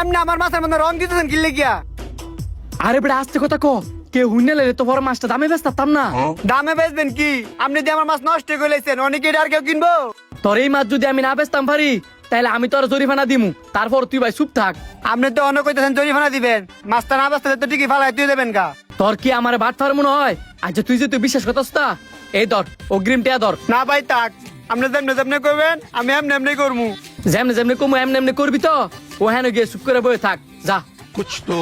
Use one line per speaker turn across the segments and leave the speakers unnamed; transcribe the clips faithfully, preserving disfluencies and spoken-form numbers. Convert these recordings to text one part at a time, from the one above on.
এমনি আমার মাছের মধ্যে রং দিতেছেন কি লেগিয়া?
আরে বেটা আস্তে কথা ক, কে হুইনে লেলে তো বড় মাছটা দামে বেচতাম না।
দামে বেচবেন কি? আপনি দিয়ে আমার মাছ নষ্ট করে লেছেন, অনেকে আর কেউ কিনবো?
তোর এই মাছ যদি আমি না বেচতাম পারি তাহলে আমি তোর জরিমানা দিমু, তারপর তুই ভাই চুপ থাক।
আপনি তো অনেক কইতেছেন জরিমানা দিবেন, মাছটা না বেচতে তো ঠিকই ফালাই তুই দেবেন গা।
তোর কি আমার বাট ফার মনে হয়? আচ্ছা তুই যে তুই বিশ্বাস করতাস তা, এই ধর অগ্রিম টিয়া ধর।
না ভাই থাক, আপনি যেমনি যেমনি করবেন আমি এমনি এমনি করবো।
যেমনে যেমনি কমু এমনি এমনি করবি তো, ও হ্যাঁ গিয়ে চুপ করে বয়ে থাক যা।
कुछ तो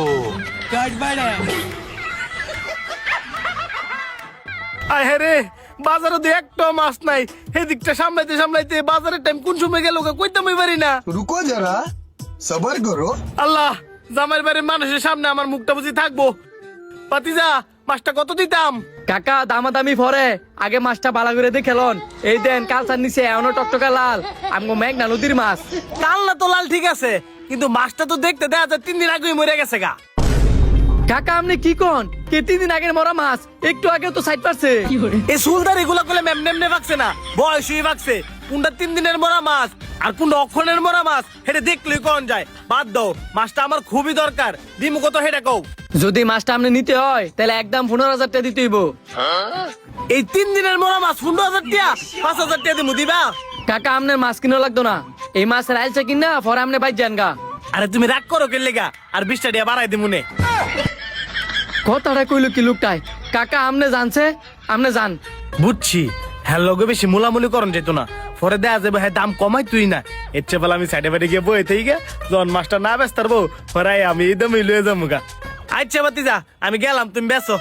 আয় রে, বাজারে তো একটা মাছ নাই। এদিকটা সামলাইতে সামলাইতে বাজারের টাইম কোন সময় গেল কইতাম পারি না।
रुको जरा सबर करो।
আল্লাহ, জামাইর বাড়ির মানুষের সামনে আমার মুখটা বুঝি থাকবো। পাতিজা, মাছটা কত দিতাম?
কাকা দামাদামি পরে আগে মাছটা ভালো করে দেখেলন। এই দেন কালচার নিচে এমন টকটকা লাল, আমগো মেঘনা নদীর মাছ।
কাল না তো লাল ঠিক আছে, কিন্তু মাছটা তো দেখতে দেখা যায় তিন দিন আগেই মরে গেছে গা।
কাকা আপনি কি কোন? কে তিন দিন আগের মরা মাছ একটু আগে তো সাইড পারছে।
এই সুলদার এগুলা করলে এমনি এমনি ভাগছে না, বয়সই ভাগছে। কোনটা তিন দিনের মরা মাছ আর কোনটা অক্ষণের মরা মাছ হেটে দেখলেই কোন যায়। বাদ দাও, মাছটা আমার খুবই দরকার। দিমু কত হেটা কও।
যদি মাছটা আপনি নিতে হয় তাহলে একদম পনেরো হাজার টাকা দিতে হইব।
এই তিন দিনের মরা মাছ পনেরো হাজার টাকা, পাঁচ হাজার টাকা দিমু দিবা?
কাকা আপনার মাছ কিনা লাগতো না, এই মাছের আইলছে কিনা পরে আপনি বাইর যান গা।
আরে তুমি রাগ করো কে লেগা? আর বিশটা টাকা বাড়াই দিমু নে।
কথাটা কইলো কি লোকটাই? কাকা আমনে জানছে, আমনে জান।
বুঝছি, হ্যাঁ লগে বেশি মুলামুলি করন যেত না, পরে দেয়া যাবে হ্যাঁ দাম কমাই তুই না। এর চেয়ে বলে আমি সাইডে বাড়ি গিয়ে বই থেকে গিয়ে যখন মাছটা না ব্যস্ত পারবো পরে আমি এই দামই লয়ে যাবো গা। আচ্ছা বাতি যা, আমি গেলাম, তুমি বেসো।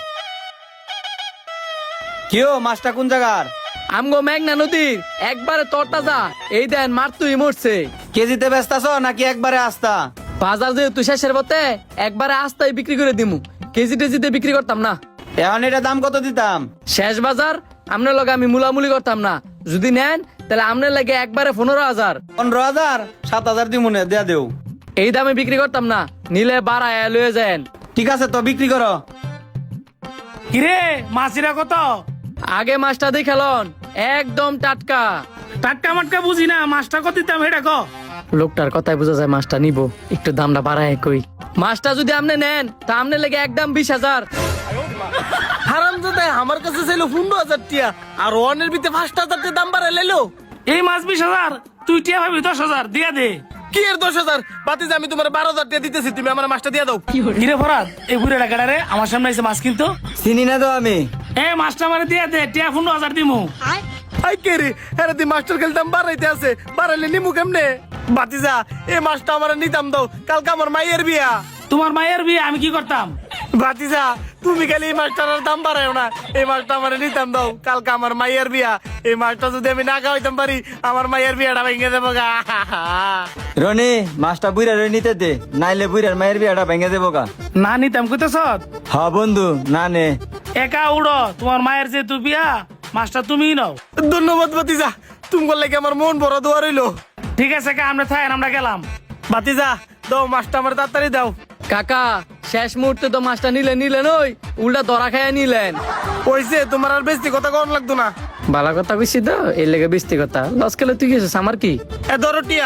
কিও মাছটা কোন জায়গার?
আমগো মেঘনা নদীর একবারে তরটা যা। এই দেন মার তুই মরছে।
কেজিতে বেচতাছ নাকি একবারে আস্তা?
বাজার যেহেতু শেষের পথে একবারে আস্তায় বিক্রি করে দিমু, কেজি টেজিতে বিক্রি করতাম না।
এখন এটা দাম কত দিতাম?
শেষ বাজার আপনার লগে আমি মুলামুলি করতাম না। যদি নেন তাহলে আপনার লাগে একবারে পনেরো হাজার।
পনেরো হাজার সাত হাজার দিব মনে দেয়া দেও।
এই দামে বিক্রি করতাম না, নিলে বাড়ায় লয়ে যান।
ঠিক আছে তো বিক্রি করো।
কিরে মাছিরা কত?
আগে মাছটা দেখেলন, একদম টাটকা।
টাটকা মাটকা বুঝি না, মাছটা কত দিতাম হেটা ক।
লোকটার কথাই বোঝা যায় মাছটা নিব, একটু দামটা বাড়ায় কই। মাছটা যদি আপনি নেন তা আপনি লেগে একদম বিশ হাজার।
হারাম দাদা আমার কাছে ছিল পনেরো হাজার টিয়া, আর ওয়ানের ভিতরে পাঁচ হাজার টাকা দাম বাড়াই লেলো।
এই মাছ বিশ হাজার, তুই টিয়া ভাবি দশ হাজার দিয়া দে।
কি এর দশ হাজার? বাতি যা, আমি তোমার বারো হাজার টাকা দিতেছি, তুমি আমার মাছটা দিয়ে দাও।
কিরে ফরাদ, এই বুড়ে ডাকাটা রে আমার সামনে এসে মাছ কিনতো।
চিনি না তো আমি।
এই মাছটা আমার দিয়া দে, টিয়া পনেরো হাজার দিমু।
আই কে রে, আরে তুই মাস্টার খেলে দাম বাড়াইতে আছে, বাড়াইলে নিমু কেমনে? বাতিজা, এই মাছটা আমার নিতাম দাও, কালকে আমার মাইয়ের বিয়া।
তোমার মায়ের বিয়ে আমি কি করতাম?
বাতিজা, তুমি খালি এই মাছটার দাম বাড়াইও না, এই মাছটা আমার নিতাম দাও, কালকে আমার মাইয়ের বিয়া। এই মাছটা যদি আমি না খাওয়াইতাম পারি, আমার মাইয়ের বিয়াটা ভেঙে দেবো গা।
রনি মাছটা বুইরা রই নিতে দে, নাইলে বুইরার মায়ের বিয়াটা ভেঙে দেবো গা।
না নিতাম কইতেছ?
হ বন্ধু না নে।
একা উড়ো, তোমার মায়ের যে তু বিয়া, মাছটা তুমিই নাও।
ধন্যবাদ বাতিজা, তুমি বললে কি আমার মন বড় দোয়া রইলো।
ঠিক আছে কা, আমরা থাকেন, আমরা গেলাম।
বাতিজা দাও মাছটা আমার তাড়াতাড়ি দাও।
কাকা শেষ মুহূর্তে তো মাছটা নিলেন নিলেন ওই উল্টা ধরা খাইয়া নিলেন।
ওইসে তোমার আর বেশি কথা কম লাগতো না।
ভালো কথা কইছি তো, এই লেগে বেশি কথা লস খেলে তুই গেছিস, আমার কি।
এ ধরো টিয়া।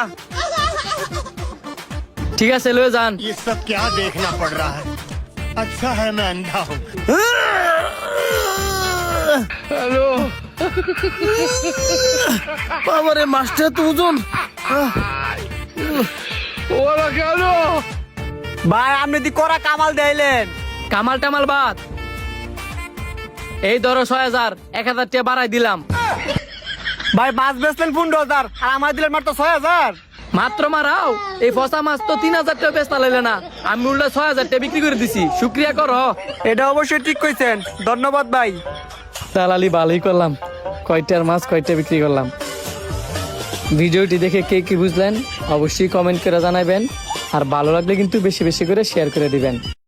ঠিক আছে লয়ে যান।
ये सब क्या देखना पड़ रहा है? अच्छा है मैं अंधा हूँ।
হ্যালো বাবারে, মাছটা তো ওজন। ওরা কেন
ভাই আপনি দি করা কামাল দেইলেন।
কামাল টামাল বাদ, এই ধরো ছয় হাজার, এক হাজার টাকা বাড়াই দিলাম।
ভাই মাছ বেচলেন পনেরো হাজার আর আমার দিলেন মাত্র ছয় হাজার।
মাত্র মারাও, এই ফসা মাছ তো তিন হাজার টাকা বেচতা লাইলে না, আমি উল্টা ছয় হাজার টাকা বিক্রি করে দিছি, শুক্রিয়া করো।
এটা অবশ্যই ঠিক কইছেন, ধন্যবাদ ভাই।
দালালি ভালোই করলাম, কয়টার মাছ কয়টা বিক্রি করলাম। ভিডিওটি দেখে কে কি বুঝলেন অবশ্যই কমেন্ট করে জানাবেন, আর ভালো লাগলে কিন্তু বেশি বেশি করে শেয়ার করে দিবেন।